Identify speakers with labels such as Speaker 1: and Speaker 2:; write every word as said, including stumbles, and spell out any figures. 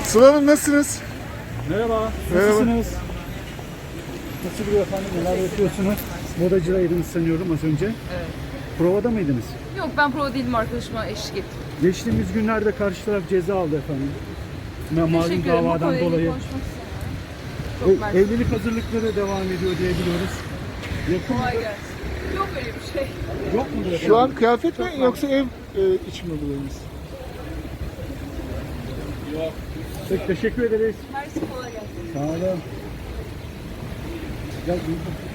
Speaker 1: Sıla Hanım nasılsınız?
Speaker 2: Merhaba,
Speaker 1: Merhaba.
Speaker 2: nasılsınız? Nasıl gidiyor efendim, neler yapıyorsunuz? Modacılaydınız sanıyorum az önce.
Speaker 3: Evet.
Speaker 2: Provada mıydınız?
Speaker 3: Yok ben prova değilim, arkadaşıma eşlik ettim.
Speaker 2: Geçtiğimiz günlerde karşı taraf ceza aldı efendim. Ma- Malum
Speaker 3: Teşekkür ederim. Bu
Speaker 2: davadan
Speaker 3: konuyla
Speaker 2: dolayı.
Speaker 3: konuşmak istemiyorum. Çok
Speaker 2: E-
Speaker 3: mersi.
Speaker 2: evlilik hazırlıkları devam ediyor diye biliyoruz. Yakın
Speaker 3: Kolay gelsin. Yok öyle bir şey.
Speaker 2: yok mu efendim?
Speaker 1: Şu an kıyafet mi yoksa ev e, iç mi bulayınız?
Speaker 2: Peki, teşekkür ederiz.
Speaker 3: Mersi, kolay gelsin.
Speaker 2: Sağ olun. Gel,